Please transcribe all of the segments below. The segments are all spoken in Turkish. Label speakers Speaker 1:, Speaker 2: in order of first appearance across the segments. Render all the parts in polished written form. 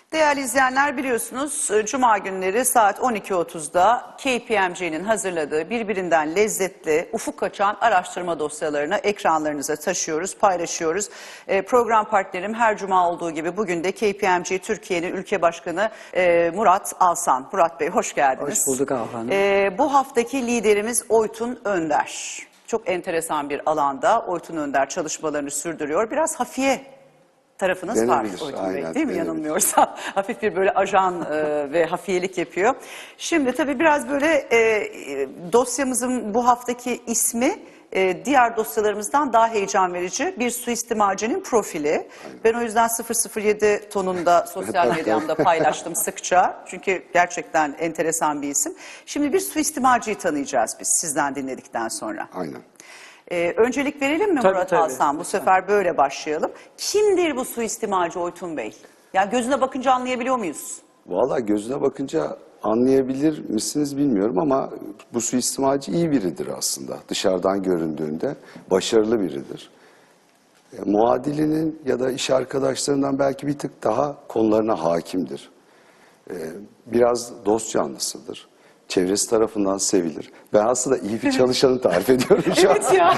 Speaker 1: Değerli izleyenler, biliyorsunuz Cuma günleri saat 12.30'da KPMG'nin hazırladığı birbirinden lezzetli, ufuk açan araştırma dosyalarını ekranlarınıza taşıyoruz, paylaşıyoruz. Program partnerim her Cuma olduğu gibi bugün de KPMG Türkiye'nin ülke başkanı Murat Alsan. Murat Bey, hoş geldiniz.
Speaker 2: Hoş bulduk hanım.
Speaker 1: Bu haftaki liderimiz Oytun Önder. Çok enteresan bir alanda Oytun Önder çalışmalarını sürdürüyor. Biraz hafiye tarafınız
Speaker 3: denebilir,
Speaker 1: var Oytun Bey,
Speaker 3: aynen,
Speaker 1: değil mi,
Speaker 3: denebilir.
Speaker 1: Yanılmıyorsam? Hafif bir böyle ajan ve hafiyelik yapıyor. Şimdi tabii biraz böyle dosyamızın bu haftaki ismi diğer dosyalarımızdan daha heyecan verici. Bir suistimalcinin profili. Aynen. Ben o yüzden 007 tonunda sosyal medyamda paylaştım sıkça. Çünkü gerçekten enteresan bir isim. Şimdi bir suistimalciyi tanıyacağız biz sizden dinledikten sonra.
Speaker 3: Aynen.
Speaker 1: Öncelik verelim mi
Speaker 2: Tabii,
Speaker 1: Murat
Speaker 2: tabii.
Speaker 1: Alsan? Bu sefer böyle başlayalım. Kimdir bu suistimalci Oytun Bey? Yani gözüne bakınca anlayabiliyor muyuz?
Speaker 3: Vallahi gözüne bakınca anlayabilir misiniz bilmiyorum ama bu suistimalci iyi biridir aslında. Dışarıdan göründüğünde başarılı biridir. Muadilinin ya da iş arkadaşlarından belki bir tık daha konularına hakimdir. Biraz dost canlısıdır. Çevresi tarafından sevilir. Ben aslında iyi bir çalışanı tarif ediyorum şu an.
Speaker 1: Evet ya.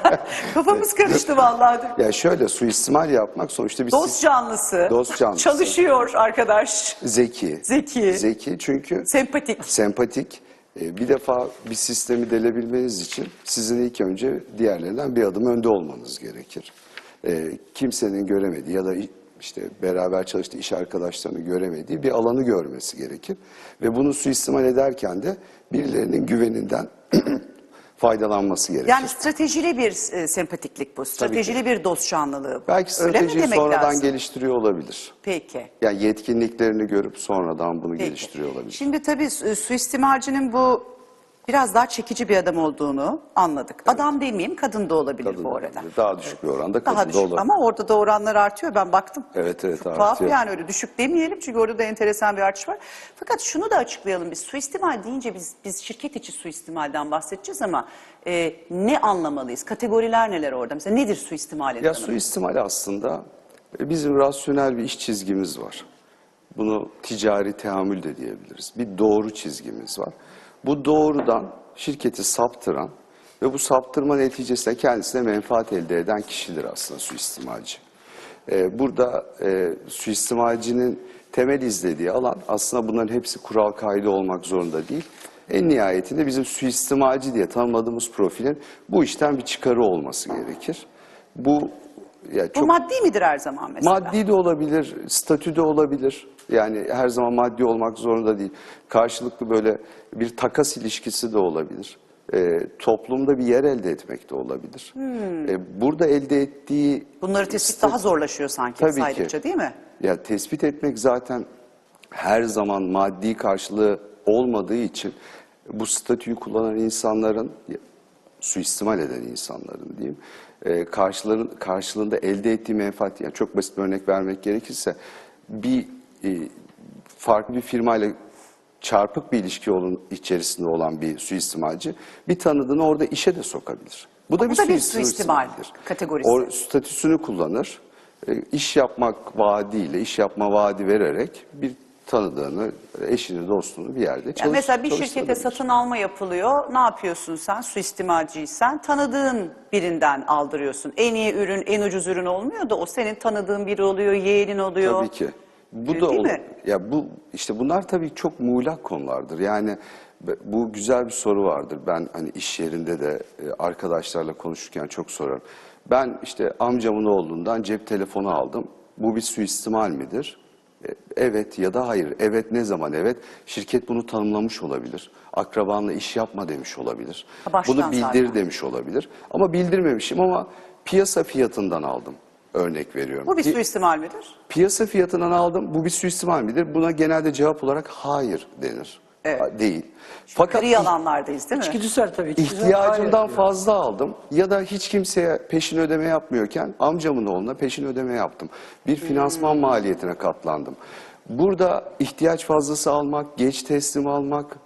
Speaker 1: Kafamız karıştı vallahi.
Speaker 3: Ya şöyle, suistimal yapmak sonuçta bir
Speaker 1: Dost canlısı.
Speaker 3: Dost canlısı.
Speaker 1: Çalışıyor arkadaş.
Speaker 3: Zeki.
Speaker 1: Zeki.
Speaker 3: Zeki çünkü
Speaker 1: Sempatik.
Speaker 3: sempatik. Bir defa bir sistemi delebilmeniz için sizin ilk önce diğerlerinden bir adım önde olmanız gerekir. Kimsenin göremediği ya da işte beraber çalıştığı iş arkadaşlarını göremediği bir alanı görmesi gerekir. Ve bunu suistimal ederken de birilerinin güveninden faydalanması gerekir.
Speaker 1: Yani stratejili bir sempatiklik bu. Stratejili bir dost canlılığı bu.
Speaker 3: Belki
Speaker 1: Öyle mi
Speaker 3: stratejiyi
Speaker 1: demek
Speaker 3: sonradan
Speaker 1: lazım?
Speaker 3: geliştiriyor olabilir.
Speaker 1: Peki.
Speaker 3: Yani yetkinliklerini görüp sonradan bunu
Speaker 1: Peki.
Speaker 3: geliştiriyor olabilir.
Speaker 1: Şimdi tabii suistimalcinin bu biraz daha çekici bir adam olduğunu anladık. Evet. Adam demeyeyim, kadın da olabilir
Speaker 3: Kadın
Speaker 1: bu
Speaker 3: da
Speaker 1: arada.
Speaker 3: olabilir. Daha düşük bir oranda kadın
Speaker 1: Daha
Speaker 3: da
Speaker 1: düşük
Speaker 3: olabilir.
Speaker 1: ama orada da oranlar artıyor, ben baktım.
Speaker 3: Evet,
Speaker 1: Çok
Speaker 3: artıyor.
Speaker 1: tuhaf yani, öyle düşük demeyelim çünkü orada da enteresan bir artış var. Fakat şunu da açıklayalım, biz suistimal deyince biz şirket içi suistimalden bahsedeceğiz ama ne anlamalıyız? Kategoriler neler orada? Mesela nedir suistimalin
Speaker 3: Ya
Speaker 1: tanımı?
Speaker 3: suistimal aslında bizim rasyonel bir iş çizgimiz var. Bunu ticari teamül de diyebiliriz. Bir doğru çizgimiz var. Bu doğrudan şirketi saptıran ve bu saptırma neticesinde kendisine menfaat elde eden kişidir aslında suistimalci. Burada suistimalcinin temel izlediği alan aslında bunların hepsi kural kaydı olmak zorunda değil. En nihayetinde bizim suistimalci diye tanımladığımız profilin bu işten bir çıkarı olması gerekir. Bu
Speaker 1: maddi midir her zaman mesela?
Speaker 3: Maddi de olabilir, statü de olabilir. Yani her zaman maddi olmak zorunda değil. Karşılıklı böyle bir takas ilişkisi de olabilir. Toplumda bir yer elde etmek de olabilir. Burada elde ettiği...
Speaker 1: Bunları tespit daha zorlaşıyor sanki
Speaker 3: Tabii
Speaker 1: saydıkça,
Speaker 3: ki.
Speaker 1: değil mi?
Speaker 3: Ya tespit etmek zaten her zaman maddi karşılığı olmadığı için bu statüyü kullanan insanların, suistimal eden insanların diyeyim, karşılığında elde ettiği menfaat, yani çok basit bir örnek vermek gerekirse farklı bir firmayla çarpık bir ilişki içerisinde olan bir suistimalci bir tanıdığını orada işe de sokabilir. Bu da bir
Speaker 1: suistimal kategorisi.
Speaker 3: O statüsünü kullanır, iş yapmak vaadiyle, iş yapma vaadi vererek bir tanıdığını, eşini, dostunu bir yerde
Speaker 1: Mesela bir şirkete satın alma yapılıyor. Ne yapıyorsun sen? Suistimalciysen tanıdığın birinden aldırıyorsun. En iyi ürün, en ucuz ürün olmuyor da o senin tanıdığın biri oluyor, yeğenin oluyor.
Speaker 3: Tabii ki. Bu
Speaker 1: Değil
Speaker 3: da
Speaker 1: mi?
Speaker 3: Ya işte bunlar tabii çok muğlak konulardır. Yani bu güzel bir soru vardır. Ben hani iş yerinde de arkadaşlarla konuşurken çok sorarım. Ben işte amcamın oğlundan cep telefonu aldım. Bu bir suistimal midir? Evet ya da hayır. Evet, ne zaman evet? Şirket bunu tanımlamış olabilir. Akrabanla iş yapma demiş olabilir. Bunu bildir
Speaker 1: zaten
Speaker 3: demiş olabilir. Ama bildirmemişim ama piyasa fiyatından aldım. Örnek veriyorum.
Speaker 1: Bu bir suistimal midir?
Speaker 3: Piyasa fiyatından aldım. Bu bir suistimal midir? Buna genelde cevap olarak hayır denir.
Speaker 1: Evet.
Speaker 3: Değil. Fakat
Speaker 1: Gri alanlardayız değil mi?
Speaker 2: İçgüdüsel tabii.
Speaker 3: ihtiyacımdan fazla aldım ya da hiç kimseye peşin ödeme yapmıyorken amcamın oğluna peşin ödeme yaptım. Bir finansman maliyetine katlandım. Burada ihtiyaç fazlası almak, geç teslim almak,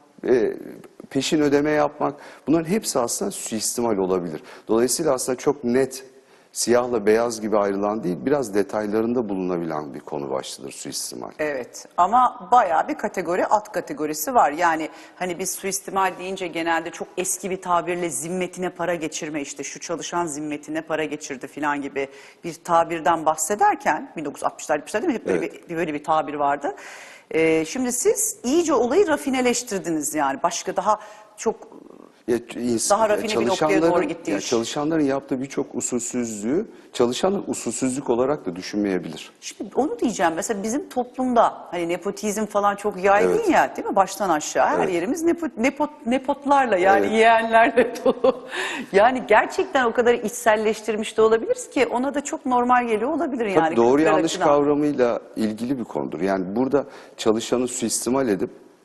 Speaker 3: peşin ödeme yapmak, bunların hepsi aslında suistimal olabilir. Dolayısıyla aslında çok net Siyahla beyaz gibi ayrılan değil, biraz detaylarında bulunabilen bir konu başlıdır suistimal.
Speaker 1: Evet ama bayağı bir kategori, alt kategorisi var. Yani hani biz suistimal deyince genelde çok eski bir tabirle zimmetine para geçirme, işte şu çalışan zimmetine para geçirdi falan gibi bir tabirden bahsederken 1960'lar 70'ler değil mi? Hep böyle,
Speaker 3: Evet.
Speaker 1: böyle bir tabir vardı. Şimdi siz iyice olayı rafineleştirdiniz yani. Başka daha çok daha rafine bir noktaya doğru gitti iş.
Speaker 3: Çalışanların yaptığı birçok usulsüzlüğü çalışanlar usulsüzlük olarak da düşünmeyebilir.
Speaker 1: Şimdi onu diyeceğim, mesela bizim toplumda hani nepotizm falan çok yaygın
Speaker 3: Evet.
Speaker 1: ya, değil mi, baştan aşağı her
Speaker 3: Evet.
Speaker 1: yerimiz nepotlarla, yani
Speaker 3: Evet.
Speaker 1: yeğenlerle dolu. Yani gerçekten o kadar içselleştirmiş de olabiliriz ki ona da çok normal geliyor olabilir yani.
Speaker 3: Tabii doğru
Speaker 1: kültürel
Speaker 3: yanlış
Speaker 1: açıdan.
Speaker 3: kavramıyla ilgili bir konudur. Yani burada çalışanı suistimal edip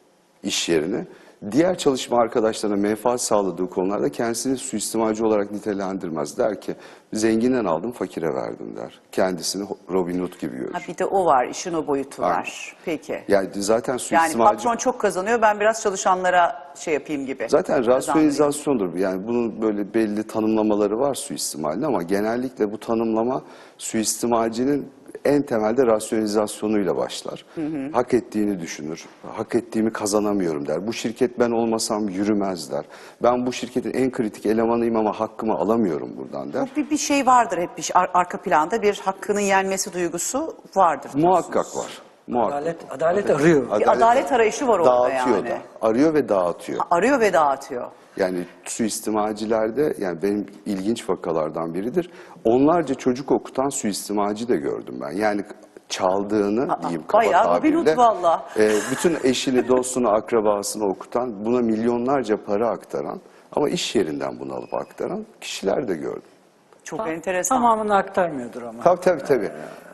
Speaker 3: iş yerine diğer çalışma arkadaşlarına menfaat sağladığı konularda kendisini suistimalci olarak nitelendirmez. Der ki zincinden aldım fakire verdim der. Kendisini Robin Hood gibi görür.
Speaker 1: Ha bir de o var, işin o boyutu
Speaker 3: Aynen.
Speaker 1: var. Peki.
Speaker 3: Yani zaten
Speaker 1: Yani
Speaker 3: suistimalci...
Speaker 1: patron çok kazanıyor, ben biraz çalışanlara şey yapayım gibi.
Speaker 3: Zaten
Speaker 1: Kazandırayım.
Speaker 3: rasyonizasyondur. Yani bunun böyle belli tanımlamaları var suistimalin ama genellikle bu tanımlama suistimalcinin en temelde rasyonizasyonuyla başlar. Hak ettiğini düşünür. Hak ettiğimi kazanamıyorum der. Bu şirket ben olmasam yürümez der. Ben bu şirketin en kritik elemanıyım ama hakkımı alamıyorum buradan der.
Speaker 1: Bir şey vardır hep, arka planda bir hakkının yenmesi duygusu vardır.
Speaker 3: Muhakkak var. Muhakkak.
Speaker 2: Adalet arıyor.
Speaker 1: Bir adalet arayışı var orada
Speaker 3: dağıtıyor
Speaker 1: yani.
Speaker 3: da. Arıyor ve dağıtıyor.
Speaker 1: Arıyor ve dağıtıyor.
Speaker 3: Yani suistimalcilerde, yani benim ilginç vakalardan biridir. Onlarca çocuk okutan suistimalci de gördüm ben. Yani çaldığını diyeyim kaba
Speaker 1: bayağı Robin Hood
Speaker 3: tabirle.
Speaker 1: valla.
Speaker 3: Bütün eşini, dostunu, akrabasını okutan, buna milyonlarca para aktaran ama iş yerinden bunu alıp aktaran kişiler de gördüm.
Speaker 1: Çok enteresan.
Speaker 2: Tamamını aktarmıyordur ama.
Speaker 3: Tabii.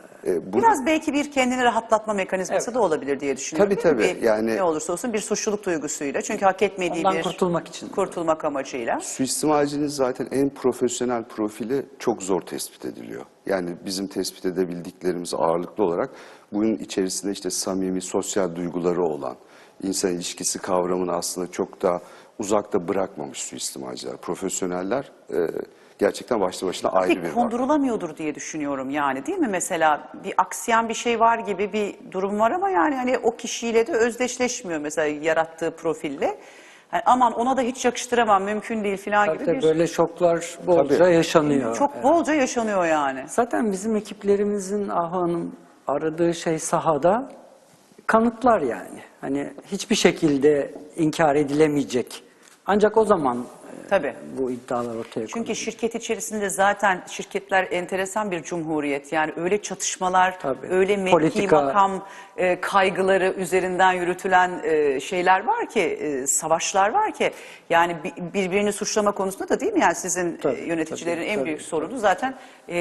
Speaker 1: Biraz belki bir kendini rahatlatma mekanizması da olabilir diye düşünüyorum.
Speaker 3: Tabii,
Speaker 1: değil mi?
Speaker 3: yani-
Speaker 1: Ne olursa olsun bir suçluluk duygusuyla. Çünkü hak etmediği
Speaker 2: Ondan
Speaker 1: bir...
Speaker 2: kurtulmak için.
Speaker 1: Kurtulmak amacıyla.
Speaker 3: Suistimalcinin zaten en profesyonel profili çok zor tespit ediliyor. Yani bizim tespit edebildiklerimiz ağırlıklı olarak bunun içerisinde işte samimi sosyal duyguları olan, insan ilişkisi kavramını aslında çok da uzakta bırakmamış suistimalciler. Profesyoneller gerçekten başlı başına ayrı bir
Speaker 1: Pek
Speaker 3: vaka.
Speaker 1: kondurulamıyordur diye düşünüyorum yani, değil mi? Mesela bir aksayan bir şey var gibi bir durum var ama yani hani o kişiyle de özdeşleşmiyor mesela yarattığı profille. Yani aman ona da hiç yakıştıramam, mümkün değil falan gibi
Speaker 2: Tabii
Speaker 1: bir...
Speaker 2: böyle şoklar bolca
Speaker 3: Tabii.
Speaker 2: yaşanıyor.
Speaker 1: Çok bolca yaşanıyor yani.
Speaker 2: Zaten bizim ekiplerimizin Ahu Hanım aradığı şey sahada kanıtlar yani. Hani hiçbir şekilde inkar edilemeyecek. Ancak o zaman
Speaker 1: Tabii.
Speaker 2: bu iddialar ortaya
Speaker 1: Çünkü
Speaker 2: konuluyor.
Speaker 1: şirket içerisinde zaten şirketler enteresan bir cumhuriyet. Yani öyle çatışmalar,
Speaker 2: Tabii.
Speaker 1: öyle mevki,
Speaker 2: Politika.
Speaker 1: makam kaygıları üzerinden yürütülen şeyler var ki, savaşlar var ki. Yani birbirini suçlama konusunda da değil mi? Yani sizin
Speaker 2: Tabii,
Speaker 1: yöneticilerin
Speaker 2: tabii,
Speaker 1: en
Speaker 2: tabii,
Speaker 1: büyük sorunu zaten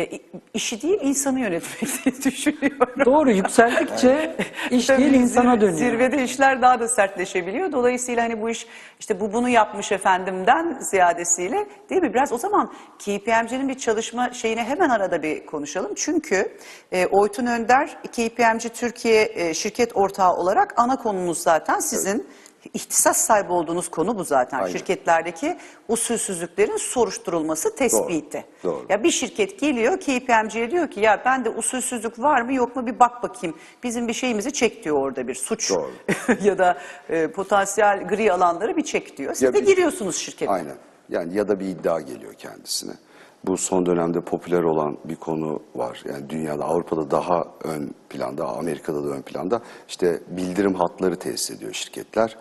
Speaker 1: işi değil insanı yönetmek diye düşünüyorum.
Speaker 2: Doğru, yükseldikçe iş
Speaker 1: Tabii
Speaker 2: değil insana dönüyor.
Speaker 1: Zirvede işler daha da sertleşebiliyor. Dolayısıyla hani bu iş işte bunu yapmış efendimden ziyadesiyle, değil mi? Biraz o zaman KPMG'nin bir çalışma şeyine hemen arada bir konuşalım. Çünkü Oytun Önder KPMG Türkiye şirket ortağı olarak ana konumuz zaten sizin ihtisas sahibi olduğunuz konu bu zaten.
Speaker 3: Aynen.
Speaker 1: Şirketlerdeki usulsüzlüklerin soruşturulması, tespiti.
Speaker 3: Doğru.
Speaker 1: Ya bir şirket geliyor KPMG'ye diyor ki ya bende usulsüzlük var mı yok mu bir bak bakayım. Bizim bir şeyimizi çek diyor, orada bir suç
Speaker 3: Doğru.
Speaker 1: ya da potansiyel gri alanları bir çek diyor. Siz
Speaker 3: Ya
Speaker 1: de
Speaker 3: bir-
Speaker 1: giriyorsunuz şirkete.
Speaker 3: Aynen. Yani ya da bir iddia geliyor kendisine. Bu son dönemde popüler olan bir konu var. Yani dünyada, Avrupa'da daha ön planda, Amerika'da da ön planda. İşte bildirim hatları tesis ediyor şirketler.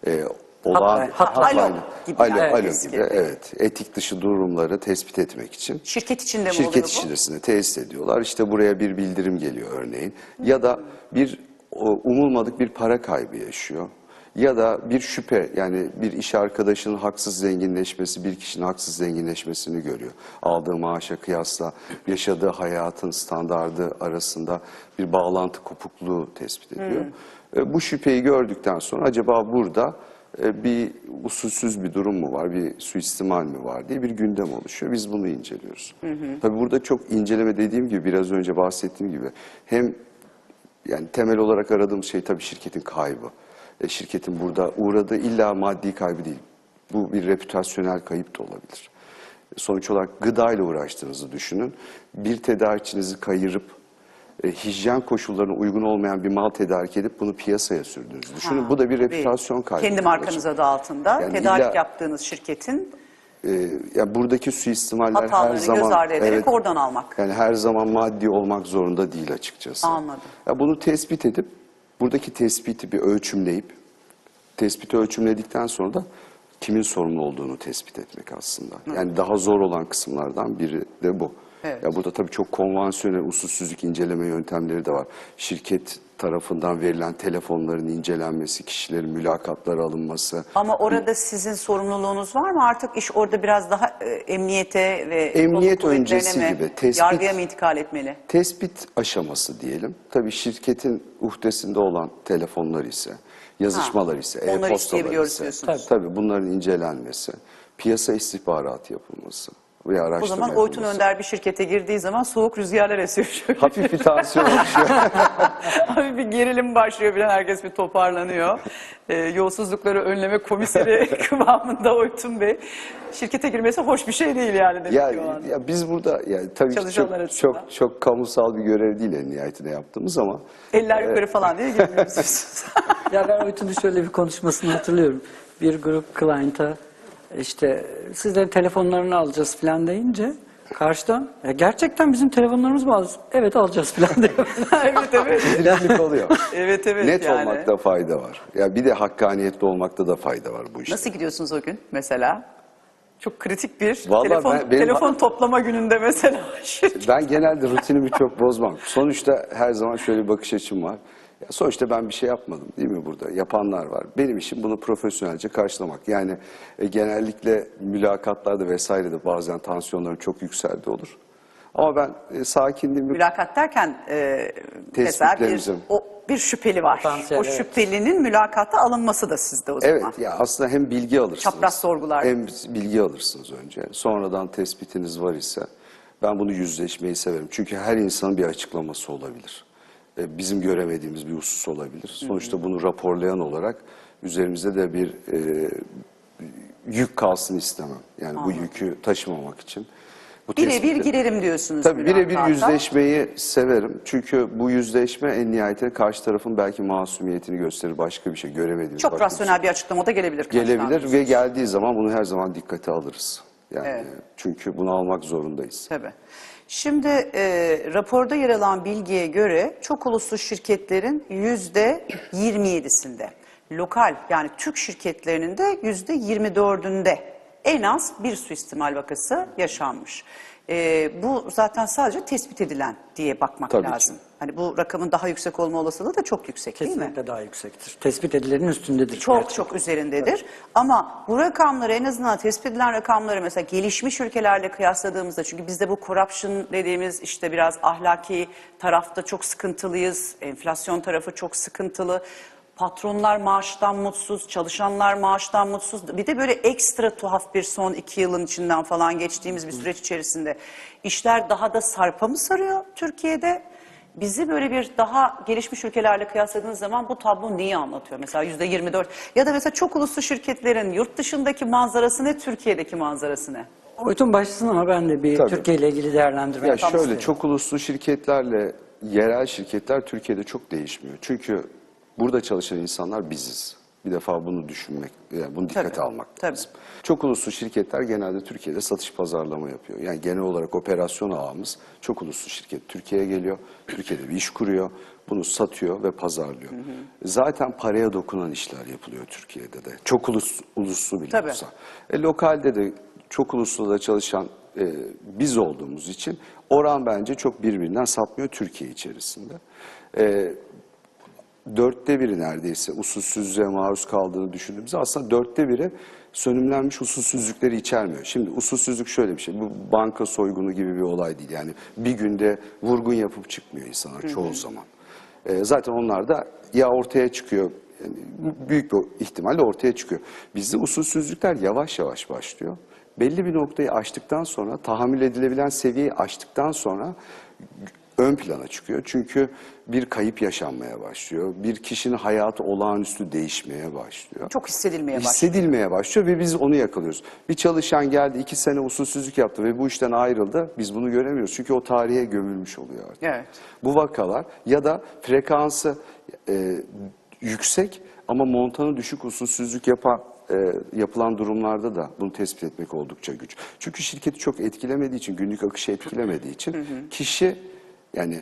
Speaker 2: Alo
Speaker 1: gibi
Speaker 3: Alo,
Speaker 1: yani.
Speaker 3: alo
Speaker 1: Eski.
Speaker 3: gibi. Evet. Etik dışı durumları tespit etmek için.
Speaker 1: Şirket içinde mi
Speaker 3: Şirket
Speaker 1: oluyor bu?
Speaker 3: içerisinde tesis ediyorlar. İşte buraya bir bildirim geliyor örneğin. Ya da bir umulmadık bir para kaybı yaşıyor. Ya da bir şüphe, yani bir iş arkadaşının haksız zenginleşmesi, bir kişinin haksız zenginleşmesini görüyor. Aldığı maaşa kıyasla yaşadığı hayatın standardı arasında bir bağlantı kopukluğu tespit ediyor. Bu şüpheyi gördükten sonra acaba burada bir usulsüz bir durum mu var, bir suistimal mi var diye bir gündem oluşuyor. Biz bunu inceliyoruz. Tabii burada çok inceleme, dediğim gibi biraz önce bahsettiğim gibi, hem yani temel olarak aradığım şey tabii şirketin kaybı. Şirketin burada uğradığı illa maddi kaybı değil. Bu bir reputasyonel kayıp da olabilir. sonuç olarak gıdayla uğraştığınızı düşünün. Bir tedarikçinizi kayırıp hijyen koşullarına uygun olmayan bir mal tedarik edip bunu piyasaya sürdüğünüzü düşünün. Bu da bir reputasyon kaybı.
Speaker 1: Kendi markanız adı altında
Speaker 3: Yani
Speaker 1: tedarik yaptığınız şirketin
Speaker 3: yani buradaki suistimaller her
Speaker 1: hatalarını
Speaker 3: zaman
Speaker 1: göz ardı ederek oradan almak.
Speaker 3: yani her zaman maddi olmak zorunda değil açıkçası.
Speaker 1: Anladım.
Speaker 3: Ya bunu tespit edip buradaki tespiti bir ölçümleyip tespiti ölçümledikten sonra da kimin sorumlu olduğunu tespit etmek aslında. Yani daha zor olan kısımlardan biri de bu.
Speaker 1: Evet.
Speaker 3: Ya burada tabii çok konvansiyonel usulsüzlük inceleme yöntemleri de var. Şirket tarafından verilen telefonların incelenmesi, kişilerin mülakatlara alınması.
Speaker 1: Ama orada sizin sorumluluğunuz var mı? Artık iş orada biraz daha emniyete ve
Speaker 3: Emniyet
Speaker 1: kolluk kuvvetlerine
Speaker 3: öncesi
Speaker 1: mi,
Speaker 3: gibi, tespit-
Speaker 1: yargıya mı intikal etmeli?
Speaker 3: Tespit aşaması diyelim. Tabii şirketin uhdesinde olan telefonlar ise, yazışmalar ise,
Speaker 1: onları
Speaker 3: e-postalar
Speaker 1: isteyebiliyoruz
Speaker 3: ise,
Speaker 1: diyorsunuz.
Speaker 3: tabii bunların incelenmesi, piyasa istihbaratı yapılması ve
Speaker 1: O
Speaker 3: araştırma
Speaker 1: zaman Oytun
Speaker 3: yapılması.
Speaker 1: Önder bir şirkete girdiği zaman soğuk rüzgarlar esiyor şöyle.
Speaker 3: Hafif bir tansiyon oluşuyor.
Speaker 1: Hafif bir gerilim başlıyor bilen herkes bir toparlanıyor. Yolsuzlukları önleme komiseri kıvamında Oytun Bey. Şirkete girmesi hoş bir şey değil yani demek ki o anda.
Speaker 3: Ya biz burada yani tabii ki
Speaker 1: Çalışanlar açısından.
Speaker 3: çok kamusal bir görev değil en nihayetinde yaptığımız ama
Speaker 1: Eller yukarı falan diye girmiyorsunuz.
Speaker 2: Ya ben Oytun'un şöyle bir konuşmasını hatırlıyorum. Bir grup client'a işte sizlerin telefonlarını alacağız falan deyince karşıdan gerçekten bizim telefonlarımız mı alacağız? Evet alacağız falan diyor.
Speaker 1: evet.
Speaker 3: tedirginlik oluyor.
Speaker 1: Evet
Speaker 3: Net
Speaker 1: yani.
Speaker 3: olmakta fayda var. Ya bir de hakkaniyetli olmakta da fayda var bu işte.
Speaker 1: Nasıl gidiyorsunuz o gün mesela? Çok kritik bir
Speaker 3: Vallahi
Speaker 1: telefon toplama gününde mesela.
Speaker 3: Ben genelde rutinimi çok bozmam. Sonuçta her zaman şöyle bir bakış açım var. Ya sonuçta ben bir şey yapmadım değil mi burada? Yapanlar var. Benim işim bunu profesyonelce karşılamak. Yani genellikle mülakatlarda vesairede bazen tansiyonlarım çok yükseldi olur. Ama ben sakinliğimi...
Speaker 1: Mülakat derken mesela bir şüpheli var.
Speaker 2: Potansiyel,
Speaker 1: O
Speaker 2: evet.
Speaker 1: şüphelinin mülakata alınması da sizde o zaman.
Speaker 3: Evet ya aslında hem bilgi alırsınız.
Speaker 1: Çapraz sorgular.
Speaker 3: Hem bilgi alırsınız önce. Sonradan tespitiniz var ise ben bunu yüzleşmeyi severim. Çünkü her insanın bir açıklaması olabilir. Bizim göremediğimiz bir husus olabilir. Sonuçta bunu raporlayan olarak üzerimizde de bir yük kalsın istemem. Yani bu yükü taşımamak için. Bu
Speaker 1: Birebir
Speaker 3: tespiti-
Speaker 1: girerim diyorsunuz.
Speaker 3: Tabii birebir
Speaker 1: mülakata.
Speaker 3: yüzleşmeyi severim. Çünkü bu yüzleşme en nihayetinde karşı tarafın belki masumiyetini gösterir, başka bir şey göremediğimiz.
Speaker 1: Çok
Speaker 3: başka
Speaker 1: rasyonel bir açıklama da gelebilir. karşıdan.
Speaker 3: gelebilir ve geldiği zaman bunu her zaman dikkate alırız. Yani
Speaker 1: Evet.
Speaker 3: çünkü bunu almak zorundayız.
Speaker 1: Tabii. Şimdi raporda yer alan bilgiye göre çok uluslu şirketlerin %27'sinde, lokal yani Türk şirketlerinin de %24'ünde en az bir suistimal vakası yaşanmış. Bu zaten sadece tespit edilen diye bakmak
Speaker 3: Tabii ki.
Speaker 1: lazım. Hani bu rakamın daha yüksek olma olasılığı da çok yüksek değil mi?
Speaker 2: Kesinlikle daha yüksektir. Tespit edilenin üstündedir.
Speaker 1: Çok üzerindedir. Ama bu rakamları en azından tespit edilen rakamları mesela gelişmiş ülkelerle kıyasladığımızda çünkü bizde bu corruption dediğimiz işte biraz ahlaki tarafta çok sıkıntılıyız. Enflasyon tarafı çok sıkıntılı. Patronlar maaştan mutsuz, çalışanlar maaştan mutsuz. Bir de böyle ekstra tuhaf bir son 2 yılın içinden falan geçtiğimiz bir süreç içerisinde işler daha da sarpa mı sarıyor Türkiye'de? Bizi böyle bir daha gelişmiş ülkelerle kıyasladığınız zaman bu tablo neyi anlatıyor? Mesela %24 ya da mesela çok uluslu şirketlerin yurt dışındaki manzarası ne, Türkiye'deki manzarası ne?
Speaker 2: Oytun başlasın ama ben de bir
Speaker 3: Tabii.
Speaker 2: Türkiye ile ilgili değerlendirme
Speaker 3: Ya
Speaker 2: yapmak
Speaker 3: şöyle
Speaker 2: isterim.
Speaker 3: çok uluslu şirketlerle yerel şirketler Türkiye'de çok değişmiyor. Çünkü burada çalışan insanlar biziz. Bir defa bunu düşünmek, yani bunu dikkate
Speaker 1: Tabii,
Speaker 3: almak
Speaker 1: tabii.
Speaker 3: lazım. Çok uluslu şirketler genelde Türkiye'de satış pazarlama yapıyor. Yani genel olarak operasyon ağımız çok uluslu şirket Türkiye'ye geliyor, Türkiye'de bir iş kuruyor, bunu satıyor ve pazarlıyor. Zaten paraya dokunan işler yapılıyor Türkiye'de de. Çok uluslu bile
Speaker 1: Tabii.
Speaker 3: olsa. Lokalde de çok uluslu da çalışan biz olduğumuz için oran bence çok birbirinden sapmıyor Türkiye içerisinde. 1/4 neredeyse usulsüzlüğe maruz kaldığını düşündüğümüzde aslında 1/4 sönümlenmiş usulsüzlükleri içermiyor. Şimdi usulsüzlük şöyle bir şey, bu banka soygunu gibi bir olay değil. Yani bir günde vurgun yapıp çıkmıyor insanlar çoğu zaman. Zaten onlar da ya ortaya çıkıyor, yani büyük bir ihtimalle ortaya çıkıyor. Bizde usulsüzlükler yavaş yavaş başlıyor. Belli bir noktayı aştıktan sonra, tahammül edilebilen seviyeyi aştıktan sonra ön plana çıkıyor. Çünkü bir kayıp yaşanmaya başlıyor. Bir kişinin hayatı olağanüstü değişmeye başlıyor.
Speaker 1: Çok hissedilmeye başlıyor.
Speaker 3: Hissedilmeye başlıyor ve biz onu yakalıyoruz. Bir çalışan geldi 2 sene usulsüzlük yaptı ve bu işten ayrıldı. Biz bunu göremiyoruz. Çünkü o tarihe gömülmüş oluyor artık.
Speaker 1: Evet.
Speaker 3: Bu vakalar ya da frekansı yüksek ama montanı düşük usulsüzlük yapılan durumlarda da bunu tespit etmek oldukça güç. Çünkü şirketi çok etkilemediği için, günlük akışı etkilemediği için kişi yani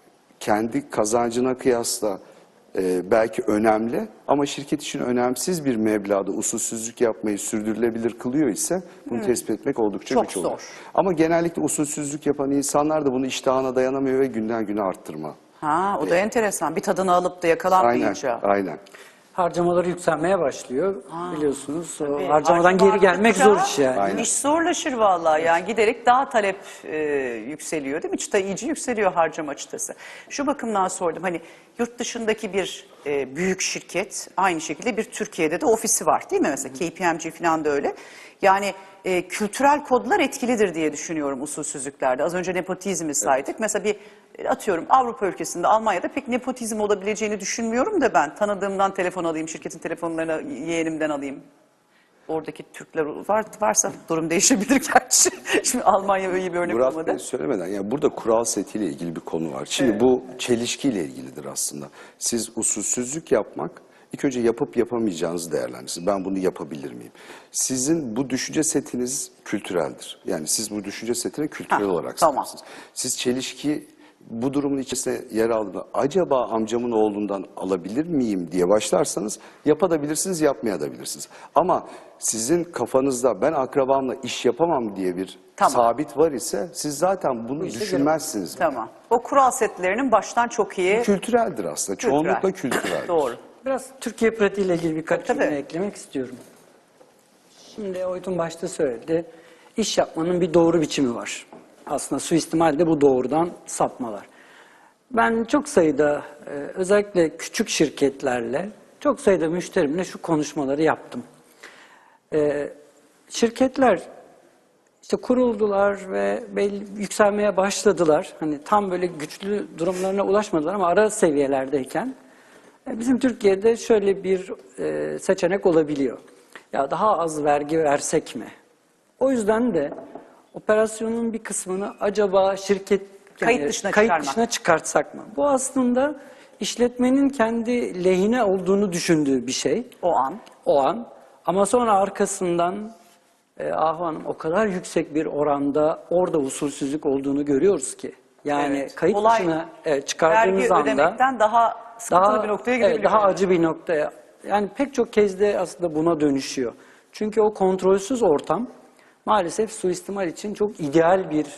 Speaker 3: kendi kazancına kıyasla belki önemli ama şirket için önemsiz bir meblağda usulsüzlük yapmayı sürdürülebilir kılıyor ise bunu tespit etmek oldukça
Speaker 1: Çok
Speaker 3: güç oluyor.
Speaker 1: zor.
Speaker 3: Ama genellikle usulsüzlük yapan insanlar da bunu iştahına dayanamıyor ve günden güne arttırma.
Speaker 1: Ha, o da enteresan. Bir tadını alıp da yakalanmayınca.
Speaker 3: Aynen.
Speaker 2: Harcamaları yükselmeye başlıyor biliyorsunuz. O
Speaker 1: Tabii,
Speaker 2: harcamadan
Speaker 1: harcama
Speaker 2: geri gelmek
Speaker 1: arttıkça
Speaker 2: zor iş yani.
Speaker 3: Aynen.
Speaker 1: İş zorlaşır vallahi yani giderek daha talep yükseliyor değil mi? Çıta iyice yükseliyor harcama çıtası. Şu bakımdan sordum hani yurt dışındaki bir büyük şirket aynı şekilde bir Türkiye'de de ofisi var değil mi? Mesela KPMG falan da öyle. Yani kültürel kodlar etkilidir diye düşünüyorum usulsüzlüklerde. Az önce nepotizmi saydık. Mesela bir atıyorum Avrupa ülkesinde Almanya'da pek nepotizm olabileceğini düşünmüyorum da ben tanıdığımdan telefon alayım, şirketin telefonlarını yeğenimden alayım. Oradaki Türkler varsa durum değişebilir gerçi. Şimdi Almanya öyle bir örnek
Speaker 3: Murat
Speaker 1: olmadı.
Speaker 3: Bey söylemeden yani burada kural setiyle ilgili bir konu var. Şimdi bu çelişkiyle ilgilidir aslında. Siz usulsüzlük yapmak ilk önce yapıp yapamayacağınızı değerlendirirsiniz. Ben bunu yapabilir miyim? Sizin bu düşünce setiniz kültüreldir. Yani siz bu düşünce setine kültürel olarak
Speaker 1: tamam.
Speaker 3: sahipsiniz. Siz çelişki bu durumun içerisinde yer aldığında acaba amcamın oğlundan alabilir miyim diye başlarsanız yapabilirsiniz, yapmayabilirsiniz. Ama sizin kafanızda ben akrabamla iş yapamam diye bir
Speaker 1: Tamam.
Speaker 3: sabit var ise siz zaten bunu düşünmezsiniz.
Speaker 1: Tamam. O kural setlerinin baştan çok iyi.
Speaker 3: Kültüreldir aslında.
Speaker 1: Kültürel.
Speaker 3: Çoğunlukla kültüreldir.
Speaker 1: Doğru.
Speaker 2: Biraz Türkiye pratiğiyle ilgili birkaç
Speaker 1: Tabii.
Speaker 2: cümle eklemek istiyorum. Şimdi Oytun başta söyledi. İş yapmanın bir doğru biçimi var. Aslında suistimal de bu doğrudan sapmalar. Ben çok sayıda özellikle küçük şirketlerle çok sayıda müşterimle şu konuşmaları yaptım. Şirketler işte kuruldular ve yükselmeye başladılar. Hani tam böyle güçlü durumlarına ulaşmadılar ama ara seviyelerdeyken bizim Türkiye'de şöyle bir seçenek olabiliyor. Ya daha az vergi versek mi? O yüzden de operasyonun bir kısmını acaba şirket
Speaker 1: Kayıt dışına
Speaker 2: kayıt
Speaker 1: çıkarmak.
Speaker 2: dışına çıkartsak mı? Bu aslında işletmenin kendi lehine olduğunu düşündüğü bir şey. O an. Ama sonra arkasından Ahu Hanım o kadar yüksek bir oranda orada usulsüzlük olduğunu görüyoruz ki. Yani
Speaker 1: Evet.
Speaker 2: kayıt
Speaker 1: Olay,
Speaker 2: dışına çıkardığınız
Speaker 1: vergi
Speaker 2: anda
Speaker 1: ödemekten daha sıkıntılı bir noktaya gidebiliyor.
Speaker 2: evet, daha acı bir noktaya. Yani pek çok kez de aslında buna dönüşüyor. Çünkü o kontrolsüz ortam maalesef suistimal için çok ideal bir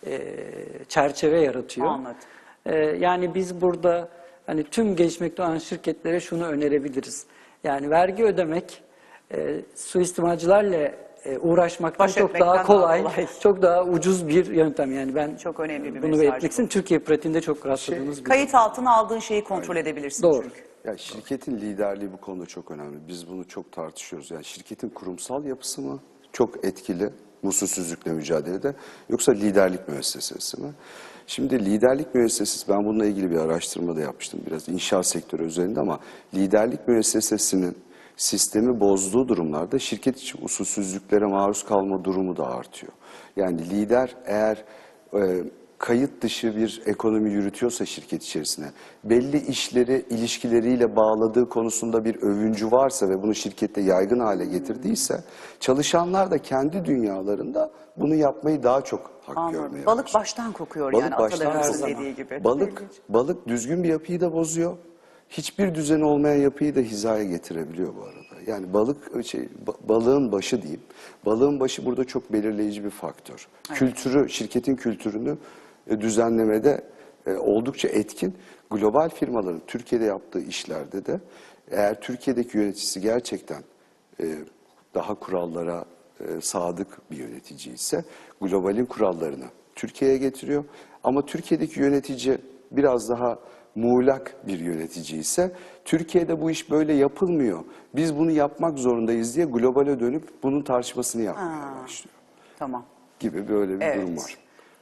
Speaker 2: çerçeve yaratıyor.
Speaker 1: Anladım.
Speaker 2: Yani biz burada hani tüm gelişmekte olan şirketlere şunu önerebiliriz. Yani vergi ödemek suistimalcilerle uğraşmaktan
Speaker 1: Baş
Speaker 2: çok
Speaker 1: etmekten
Speaker 2: daha
Speaker 1: daha
Speaker 2: kolay,
Speaker 1: kolay.
Speaker 2: çok daha ucuz bir yöntem. Yani ben
Speaker 1: Çok önemli bir
Speaker 2: bunu
Speaker 1: mesaj
Speaker 2: belirtmek
Speaker 1: bu.
Speaker 2: Türkiye pratiğinde çok rastladığımız bir
Speaker 1: Kayıt altına aldığın şeyi kontrol edebilirsin
Speaker 2: Doğru.
Speaker 1: çünkü.
Speaker 3: Ya şirketin liderliği bu konuda çok önemli. Biz bunu çok tartışıyoruz. Yani şirketin kurumsal yapısı mı çok etkili usulsüzlükle mücadelede yoksa liderlik müessesesi mi? Şimdi liderlik müessesesi, ben bununla ilgili bir araştırma da yapmıştım biraz inşaat sektörü üzerinde ama liderlik müessesesinin sistemi bozduğu durumlarda şirket içi usulsüzlüklere maruz kalma durumu da artıyor. Yani lider eğer kayıt dışı bir ekonomi yürütüyorsa şirket içerisine, belli işleri ilişkileriyle bağladığı konusunda bir övüncü varsa ve bunu şirkette yaygın hale getirdiyse, çalışanlar da kendi dünyalarında bunu yapmayı daha çok hak görmeye
Speaker 1: Balık
Speaker 3: başlıyor.
Speaker 1: baştan kokuyor
Speaker 3: Balık
Speaker 1: yani
Speaker 3: baştan
Speaker 1: atalarımızın
Speaker 3: kokuyor.
Speaker 1: dediği gibi.
Speaker 3: Balık düzgün bir yapıyı da bozuyor. Hiçbir düzeni olmayan yapıyı da hizaya getirebiliyor bu arada. Yani balığın başı diyeyim. Balığın başı burada çok belirleyici bir faktör. Evet. Kültürü, şirketin kültürünü düzenlemede oldukça etkin. Global firmaların Türkiye'de yaptığı işlerde de eğer Türkiye'deki yöneticisi gerçekten daha kurallara sadık bir yönetici ise globalin kurallarını Türkiye'ye getiriyor. Ama Türkiye'deki yönetici biraz daha muğlak bir yönetici ise Türkiye'de bu iş böyle yapılmıyor. Biz bunu yapmak zorundayız diye globale dönüp bunun tartışmasını yapmaya başlıyor.
Speaker 1: Tamam.
Speaker 3: Gibi böyle bir
Speaker 1: Evet.
Speaker 3: durum var.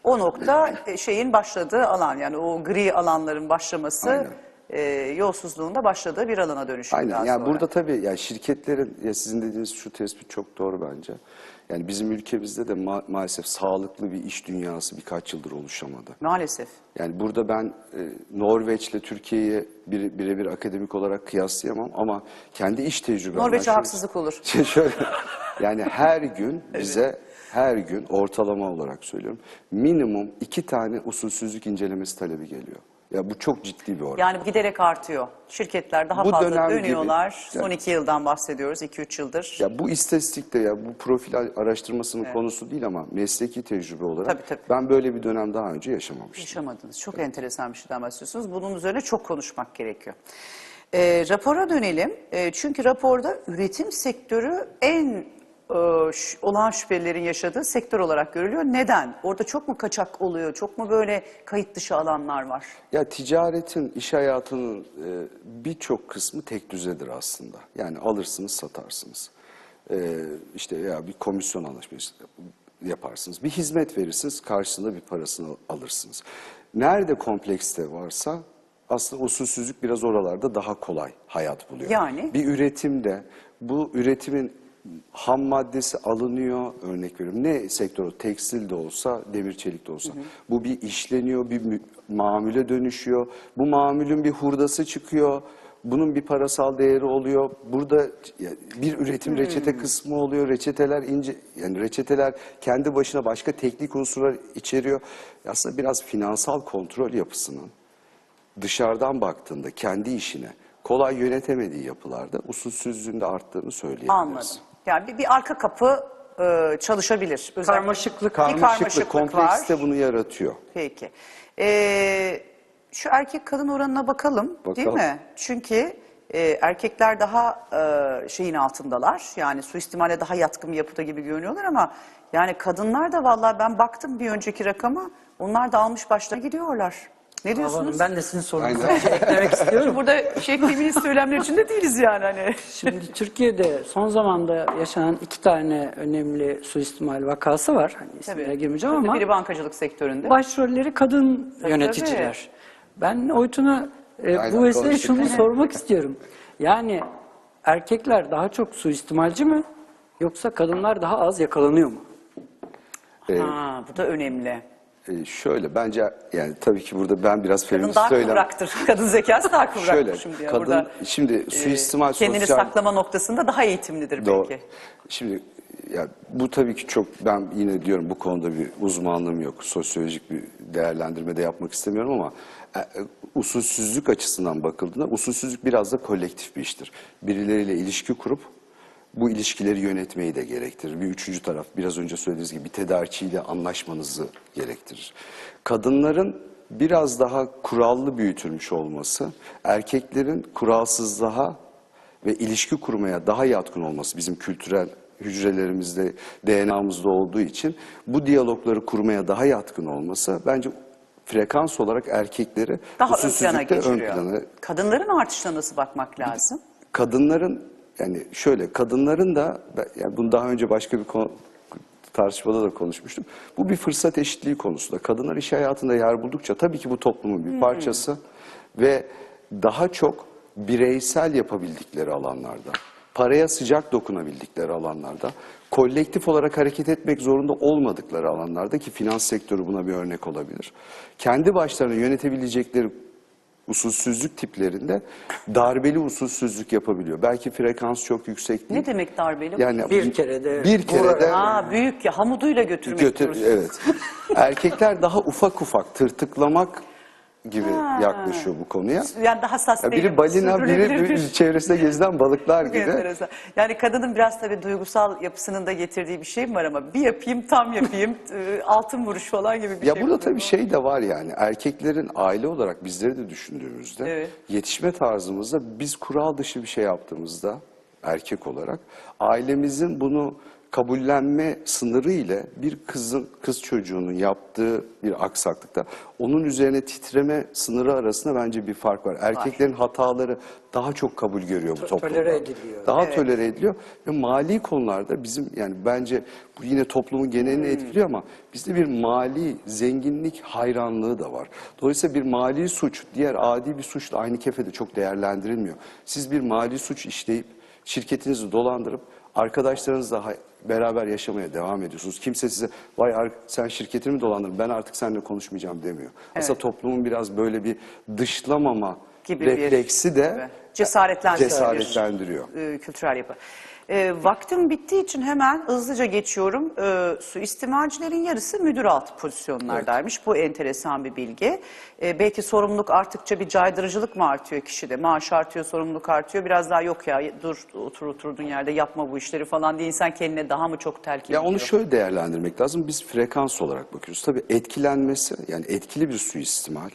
Speaker 1: O nokta şeyin başladığı alan, yani o gri alanların başlaması, yolsuzluğun da başladığı bir alana dönüşüyor.
Speaker 3: Aynen.
Speaker 1: daha
Speaker 3: Yani
Speaker 1: sonra.
Speaker 3: burada tabii yani şirketlerin, ya sizin dediğiniz şu tespit çok doğru bence. Yani bizim ülkemizde de maalesef sağlıklı bir iş dünyası birkaç yıldır oluşamadı.
Speaker 1: Maalesef.
Speaker 3: Yani burada ben Norveç'le Türkiye'yi birebir akademik olarak kıyaslayamam ama kendi iş tecrübemden...
Speaker 1: Norveç'e haksızlık olur.
Speaker 3: Şöyle, yani her gün bize, her gün ortalama olarak söylüyorum, minimum 2 tane usulsüzlük incelemesi talebi geliyor. Ya bu çok ciddi bir oran.
Speaker 1: Yani giderek artıyor. Şirketler daha
Speaker 3: Bu
Speaker 1: fazla
Speaker 3: dönem gibi,
Speaker 1: dönüyorlar. Son
Speaker 3: yani-
Speaker 1: 2 yıldan bahsediyoruz, 2-3 yıldır.
Speaker 3: Ya bu istatistikte, ya bu profil araştırmasının konusu değil ama mesleki tecrübe olarak
Speaker 1: Tabii.
Speaker 3: ben böyle bir dönem daha önce yaşamamıştım.
Speaker 1: Yaşamadınız. Çok enteresan bir şeyden bahsediyorsunuz. Bunun üzerine çok konuşmak gerekiyor. Rapora dönelim. Çünkü raporda üretim sektörü en olağan şüphelilerin yaşadığı sektör olarak görülüyor. Neden? Orada çok mu kaçak oluyor? Çok mu böyle kayıt dışı alanlar var?
Speaker 3: Ya ticaretin, iş hayatının birçok kısmı tek düzedir aslında. Yani alırsınız, satarsınız. İşte ya bir komisyon anlaşması yaparsınız. Bir hizmet verirsiniz, karşılığında bir parasını alırsınız. Nerede komplekste varsa aslında usulsüzlük biraz oralarda daha kolay hayat buluyor.
Speaker 1: Yani?
Speaker 3: Bir üretimde bu üretimin ham maddesi alınıyor, örnek veriyorum. Ne sektörü? Tekstil de olsa, demir çelik de olsa. Bu bir işleniyor, bir mamule dönüşüyor. Bu mamulün bir hurdası çıkıyor. Bunun bir parasal değeri oluyor. Burada bir üretim reçete kısmı oluyor. Reçeteler ince, yani reçeteler kendi başına başka teknik unsurlar içeriyor. Aslında biraz finansal kontrol yapısının dışarıdan baktığında kendi işine kolay yönetemediği yapılarda usulsüzlüğün de arttığını söyleyebiliriz.
Speaker 1: Anladım. Yani bir arka kapı çalışabilir. Özellikle
Speaker 2: Karmaşıklık.
Speaker 1: bir karmaşıklık
Speaker 3: kompleks de
Speaker 1: var.
Speaker 3: bunu yaratıyor.
Speaker 1: Peki. Şu erkek kadın oranına bakalım, değil
Speaker 3: Bakalım.
Speaker 1: mi? Çünkü erkekler daha şeyin altındalar. Yani suistimale daha yatkın bir yapıda gibi görünüyorlar ama yani kadınlar da vallahi ben baktım bir önceki rakama, onlar da almış başlarına gidiyorlar. Ne diyorsunuz?
Speaker 2: Hanım, ben de sizin sorunuza bir şey eklemek istiyorum.
Speaker 1: Burada feminist söylemler içinde değiliz yani hani.
Speaker 2: Şimdi Türkiye'de son zamanda yaşanan 2 tane önemli suistimal vakası var. Hani isimlere girmeyeceğim ama
Speaker 1: Biri bankacılık sektöründe.
Speaker 2: başrolleri kadın
Speaker 1: Tabii,
Speaker 2: yöneticiler. Ben Oytun'a
Speaker 3: Aynen,
Speaker 2: bu vesileyle
Speaker 3: konuştuk.
Speaker 2: şunu sormak istiyorum. Yani erkekler daha çok suistimalci mi yoksa kadınlar daha az yakalanıyor mu?
Speaker 1: Ha, bu da önemli.
Speaker 3: Şöyle bence yani tabii ki burada ben biraz
Speaker 1: Kadın
Speaker 3: feminist
Speaker 1: daha
Speaker 3: söylem.
Speaker 1: kıvraktır. Kadın zekası daha kıvraktır
Speaker 3: Şöyle
Speaker 1: şimdi. Yani
Speaker 3: kadın
Speaker 1: burada,
Speaker 3: şimdi suistimal
Speaker 1: kendini
Speaker 3: sosyal
Speaker 1: saklama noktasında daha eğitimlidir
Speaker 3: Doğru.
Speaker 1: belki.
Speaker 3: Şimdi ya bu tabii ki çok, ben yine diyorum bu konuda bir uzmanlığım yok. Sosyolojik bir değerlendirme de yapmak istemiyorum ama usulsüzlük açısından bakıldığında usulsüzlük biraz da kolektif bir iştir. Birileriyle ilişki kurup bu ilişkileri yönetmeyi de gerektirir. Bir üçüncü taraf, biraz önce söylediğiniz gibi bir tedarikçiyle anlaşmanızı gerektirir. Kadınların biraz daha kurallı büyütülmüş olması, erkeklerin kuralsızlığa ve ilişki kurmaya daha yatkın olması bizim kültürel hücrelerimizde, DNA'mızda olduğu için bu diyalogları kurmaya daha yatkın olması bence frekans olarak erkekleri
Speaker 1: Daha ön plana
Speaker 3: usulsüzlükte
Speaker 1: geçiriyor. Kadınların artışına nasıl bakmak lazım?
Speaker 3: Kadınların, yani şöyle, kadınların da, yani bunu daha önce başka bir tartışmada da konuşmuştum. Bu bir fırsat eşitliği konusu da. Kadınlar iş hayatında yer buldukça tabii ki bu toplumun bir parçası ve daha çok bireysel yapabildikleri alanlarda, paraya sıcak dokunabildikleri alanlarda, kolektif olarak hareket etmek zorunda olmadıkları alanlarda, ki finans sektörü buna bir örnek olabilir, kendi başlarına yönetebilecekleri usulsüzlük tiplerinde darbeli usulsüzlük yapabiliyor. Belki frekans çok yüksek değil.
Speaker 1: Ne demek darbeli?
Speaker 3: Yani
Speaker 2: Bir kerede
Speaker 1: Büyük ya, hamuduyla götürmek diyoruz.
Speaker 3: evet. Erkekler daha ufak ufak tırtıklamak gibi yaklaşıyor bu konuya.
Speaker 1: Yani daha hassas
Speaker 3: Ya
Speaker 1: değil.
Speaker 3: biri balina,
Speaker 1: Sürdürülebilir
Speaker 3: biri çevresinde gezilen balıklar
Speaker 1: Çok
Speaker 3: gibi.
Speaker 1: enteresan. Yani kadının biraz tabii duygusal yapısının da getirdiği bir şey mi var ama bir yapayım, tam yapayım, altın vuruş falan gibi bir
Speaker 3: Ya
Speaker 1: şey.
Speaker 3: burada
Speaker 1: mi?
Speaker 3: tabii şey de var, yani erkeklerin aile olarak bizleri de düşündüğümüzde
Speaker 1: Evet.
Speaker 3: yetişme tarzımızda biz kural dışı bir şey yaptığımızda erkek olarak ailemizin bunu kabullenme sınırı ile bir kız çocuğunun yaptığı bir aksaklıkta onun üzerine titreme sınırı arasında bence bir fark var. Erkeklerin hataları daha çok kabul görüyor bu toplumda.
Speaker 2: Tolere ediliyor.
Speaker 3: Daha tolere ediliyor ve mali konularda bizim yani bence bu yine toplumun genelini etkiliyor ama bizde bir mali zenginlik hayranlığı da var. Dolayısıyla bir mali suç diğer adi bir suçla aynı kefede çok değerlendirilmiyor. Siz bir mali suç işleyip şirketinizi dolandırıp arkadaşlarınızla beraber yaşamaya devam ediyorsunuz. Kimse size vay sen şirketini mi dolandırdın ben artık seninle konuşmayacağım demiyor. Aslında toplumun biraz böyle bir dışlamama
Speaker 1: gibi
Speaker 3: refleksi de
Speaker 1: cesaretlendiriyor. Kültürel yapı. Vaktim bittiği için hemen hızlıca geçiyorum. Suistimalcilerin yarısı müdür altı pozisyonlardaymış. Bu enteresan bir bilgi. Belki sorumluluk arttıkça bir caydırıcılık mı artıyor kişide? Maaş artıyor, sorumluluk artıyor. Biraz daha yok ya dur oturduğun yerde yapma bu işleri falan diye insan kendine daha mı çok telkin ediyor?
Speaker 3: Ya onu şöyle değerlendirmek lazım. Biz frekans olarak bakıyoruz. Tabii etkilenmesi yani etkili bir suistimal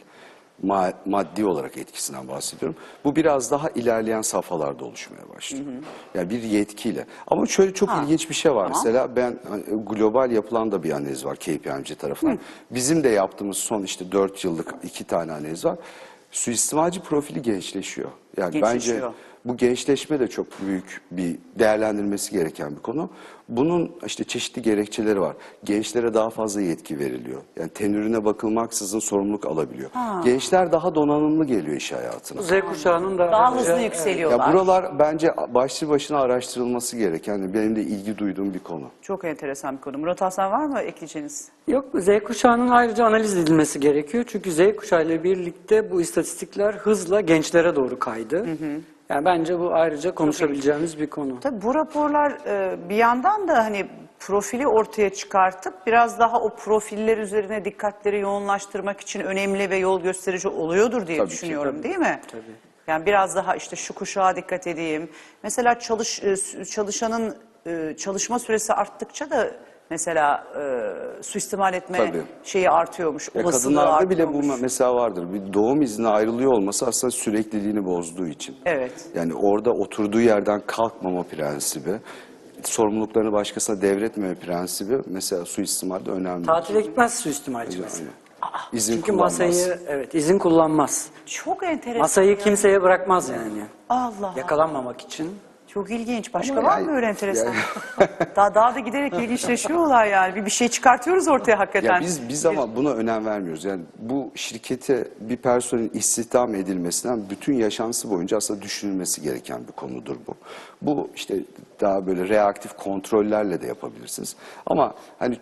Speaker 3: maddi olarak etkisinden bahsediyorum. Bu biraz daha ilerleyen safhalarda oluşmaya başlıyor. Yani bir yetkiyle. Ama şöyle çok ilginç bir şey var. Mesela ben global yapılan da bir analiz var KPMG tarafından. Bizim de yaptığımız son işte 4 yıllık 2 tane analiz var. Suistimalci profili gençleşiyor. Yani bence bu gençleşme de çok büyük bir değerlendirmesi gereken bir konu. Bunun işte çeşitli gerekçeleri var. Gençlere daha fazla yetki veriliyor. Yani tenürüne bakılmaksızın sorumluluk alabiliyor. Gençler daha donanımlı geliyor iş hayatına.
Speaker 2: Z kuşağının da
Speaker 1: daha hızlı yükseliyorlar.
Speaker 3: Ya buralar bence başlı başına araştırılması gereken, benim de ilgi duyduğum bir konu.
Speaker 1: Çok enteresan bir konu. Murat Hasan var mı ekleyeceğiniz?
Speaker 2: Yok, Z kuşağının ayrıca analiz edilmesi gerekiyor. Çünkü Z kuşağıyla birlikte bu istatistikler hızla gençlere doğru kaydı. Yani bence bu ayrıca konuşabileceğimiz bir konu.
Speaker 1: Tabii bu raporlar bir yandan da hani profili ortaya çıkartıp biraz daha o profiller üzerine dikkatleri yoğunlaştırmak için önemli ve yol gösterici oluyordur diye düşünüyorum, değil mi?
Speaker 2: Tabii.
Speaker 1: Yani biraz daha işte şu kuşağa dikkat edeyim. Mesela çalışanın çalışma süresi arttıkça da mesela suistimal etme şeyi artıyormuş, olasılığı
Speaker 3: kadınlarda
Speaker 1: artıyormuş.
Speaker 3: bile bu mesela vardır. Bir doğum izni ayrılıyor olması aslında sürekliliğini bozduğu için.
Speaker 1: Evet.
Speaker 3: Yani orada oturduğu yerden kalkmama prensibi, sorumluluklarını başkasına devretmeme prensibi mesela suistimalde önemli.
Speaker 2: Tatile gitmez suistimalci mesela.
Speaker 3: İzin
Speaker 2: Çünkü
Speaker 3: kullanmaz.
Speaker 2: masayı izin kullanmaz.
Speaker 1: Çok enteresan.
Speaker 2: Masayı kimseye bırakmaz yani.
Speaker 1: Allah.
Speaker 2: Yakalanmamak için.
Speaker 1: Çok ilginç. Başka
Speaker 3: Ama
Speaker 1: var
Speaker 3: yani-
Speaker 1: mı öyle enteresan? Daha da giderek ilginçleşiyorlar yani. Bir şey çıkartıyoruz ortaya hakikaten.
Speaker 3: Ya biz ama buna önem vermiyoruz. Yani bu şirkete bir personelin istihdam edilmesinden bütün yaşantısı boyunca aslında düşünülmesi gereken bir konudur bu. Bu işte daha böyle reaktif kontrollerle de yapabilirsiniz. Ama hani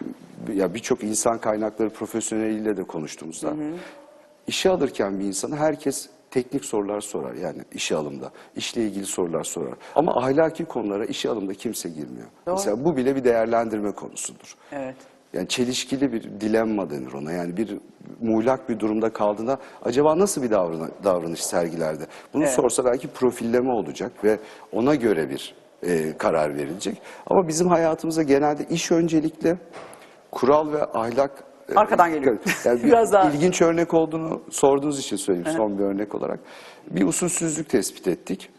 Speaker 3: birçok insan kaynakları profesyoneliyle de konuştuğumuzda işe alırken bir insanı herkes teknik sorular sorar yani işe alımda. İşle ilgili sorular sorar. Ama ahlaki konulara işe alımda kimse girmiyor. Mesela bu bile bir değerlendirme konusudur.
Speaker 1: Evet.
Speaker 3: Yani çelişkili bir dilemma denir ona. Yani bir muğlak bir durumda kaldığında acaba nasıl bir davranış sergilerdi? Bunu sorsa belki profilleme olacak ve ona göre bir karar verilecek. Ama bizim hayatımızda genelde iş öncelikli, kural ve ahlak
Speaker 1: Arkadan geliyor.
Speaker 3: Yani
Speaker 1: Biraz daha.
Speaker 3: ilginç örnek olduğunu sorduğunuz için söyleyeyim son bir örnek olarak. Bir usulsüzlük tespit ettik.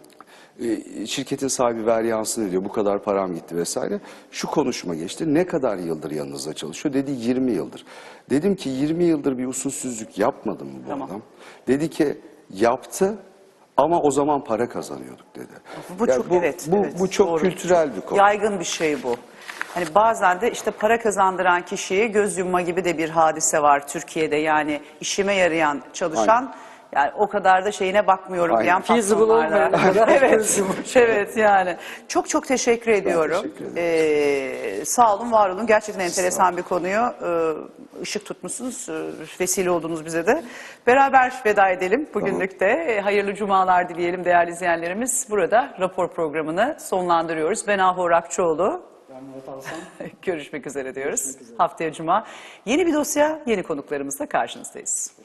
Speaker 3: Şirketin sahibi ver yansın diyor. Bu kadar param gitti vesaire. Şu konuşma geçti. Ne kadar yıldır yanınızda çalışıyor? Dedi 20 yıldır. Dedim ki 20 yıldır bir usulsüzlük yapmadı mı bu adam? Dedi ki yaptı ama o zaman para kazanıyorduk dedi.
Speaker 1: Bu
Speaker 3: Yani
Speaker 1: çok
Speaker 3: bu çok
Speaker 1: doğru.
Speaker 3: kültürel bir konu.
Speaker 1: Yaygın bir şey bu. Hani bazen de işte para kazandıran kişiye göz yumma gibi de bir hadise var Türkiye'de. Yani işime yarayan çalışan yani o kadar da şeyine bakmıyorum diyen
Speaker 2: Feasible olmayan
Speaker 1: patronlarla. Evet, evet yani. Çok teşekkür ediyorum.
Speaker 3: teşekkür
Speaker 1: Sağ olun, var olun. Gerçekten enteresan bir konuyu ışık tutmuşsunuz. Vesile oldunuz bize de. Beraber veda edelim bugünlük de. Hayırlı cumalar dileyelim değerli izleyenlerimiz. Burada rapor programını sonlandırıyoruz. Ben Ahu Rakçıoğlu. Görüşmek üzere diyoruz. Haftaya Cuma. Yeni bir dosya, yeni konuklarımızla karşınızdayız.